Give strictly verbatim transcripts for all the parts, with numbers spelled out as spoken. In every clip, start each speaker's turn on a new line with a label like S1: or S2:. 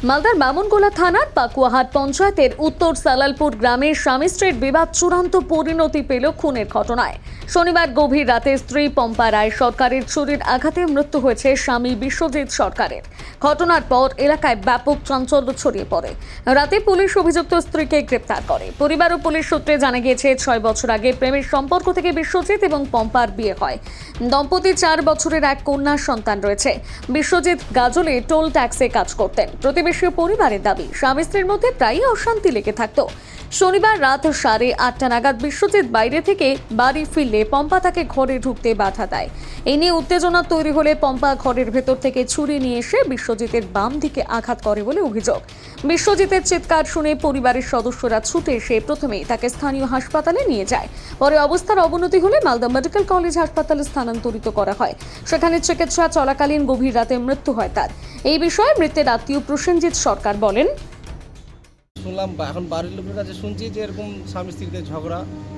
S1: মালদার বামনগোলা থানার পাকুয়াহাট পঞ্চায়েতের উত্তর সালালপুর গ্রামের স্বামী স্ত্রীর বিবাদ চূড়ান্ত পরিণতি পেল খুনের ঘটনায়। শনিবার গভীর রাতে স্ত্রী পম্পা রায় সরকারের ছুরির আঘাতে মৃত্যু হয়েছে স্বামী বিশ্বজিৎ সরকারের। ঘটনার পর এলাকায় ব্যাপক চাঞ্চল্য ছড়িয়ে পড়ে। রাতে পুলিশ অভিযুক্ত স্ত্রীকে গ্রেপ্তার করে। পরিবার ও পুলিশ সূত্রে জানা গিয়েছে, ছয় বছর আগে প্রেমের সম্পর্ক থেকে বিশ্বজিৎ এবং পম্পার বিয়ে হয়। দম্পতির চার বছরের এক কন্যা সন্তান রয়েছে। বিশ্বজিৎ গাজলে টোল ট্যাক্সে কাজ করতেন। প্রতিবেশী পরিবারের দাবি, স্বামী স্ত্রীর মধ্যে প্রায়ই অশান্তি লেগে থাকতো। শনিবার রাত সাড়ে আটটা নাগাদ বিশ্বজিৎ বাইরে থেকে বাড়ি ফিরলে পম্পা তাকে ঘরে ঢুকতে বাধা দেয়। এই নিয়ে উত্তেজনা তৈরি হলে পম্পা ঘরের ভেতর থেকে ছুরি নিয়ে এসে বিশ্বজিতের বাম দিকে আঘাত করে বলে অভিযোগ। বিশ্বজিতের চিৎকার শুনে পরিবারের সদস্যরা ছুটে এসে প্রথমেই তাকে স্থানীয় হাসপাতালে নিয়ে যায়। পরে অবস্থার অবনতি হলে মালদা মেডিকেল কলেজ হাসপাতালে স্থানান্তরিত করা হয়। সেখানে চিকিৎসা চলাকালীন গভীর রাতে মৃত্যু হয় তার। এই বিষয়ে মৃতের আত্মীয় প্রসেনজিৎ সরকার বলেন,
S2: শুনলাম এখন বাড়ির লোকের কাছে শুনছি যে এরকম স্বামী স্ত্রীতে ঝগড়া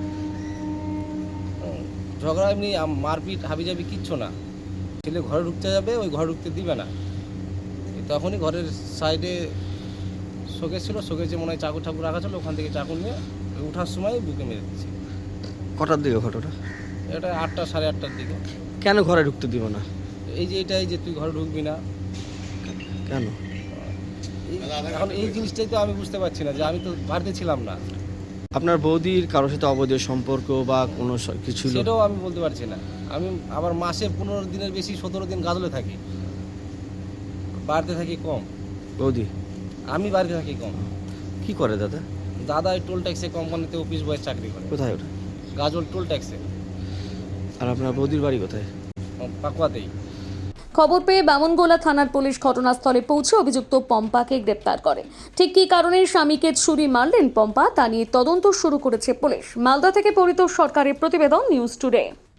S2: ঝগড়া এমনি মারপিট হাবিজাবি কিচ্ছু না। ছেলে ঘরে ঢুকতে যাবে, ওই ঘরে ঢুকতে দিবে না। তখনই ঘরের সাইডে শোকেস ছিল, শোকেসে মনে হয় চাকু ঠাকুর রাখা ছিল, ওখান থেকে চাকু নিয়ে ওঠার সময় বুকে মেরে দিচ্ছে।
S3: কটার দিকে ঘটনা?
S2: এটা আটটা সাড়ে আটটার দিকে।
S3: কেন ঘরে ঢুকতে দিব না?
S2: এই যে এটাই যে তুই ঘরে ঢুকবি না
S3: কেন?
S2: এখন এই জিনিসটাই তো আমি বুঝতে পারছি না, যে আমি তো বাড়িতে ছিলাম না।
S3: আপনার বৌদির কারোর সাথে অবৈধ সম্পর্ক বা কোনো কিছু?
S2: সেটাও আমি বলতে পারছি না। আমি আবার মাসে পনেরো দিনের বেশি সতেরো দিন গাজলে থাকি, বাড়িতে থাকি কম।
S3: বৌদি?
S2: আমি বাড়িতে থাকি কম।
S3: কি করে দাদা?
S2: দাদা ওই টোল ট্যাক্সে কোম্পানিতে অফিস বয়ের চাকরি করে।
S3: কোথায় ওটা?
S2: গাজল টোল ট্যাক্সে।
S3: আর আপনার বৌদির বাড়ি কোথায়?
S2: পাকুয়াতেই।
S1: খবর পেয়ে বামনগোলা থানার পুলিশ ঘটনাস্থলে পৌঁছে অভিযুক্ত পম্পাকে গ্রেপ্তার করে। ঠিক কী কারণে স্বামীকে ছুরি মারলেন পম্পা, তা নিয়ে তদন্ত শুরু করেছে পুলিশ। মালদা থেকে পরিতোষ সরকারের প্রতিবেদন, নিউজ টুডে।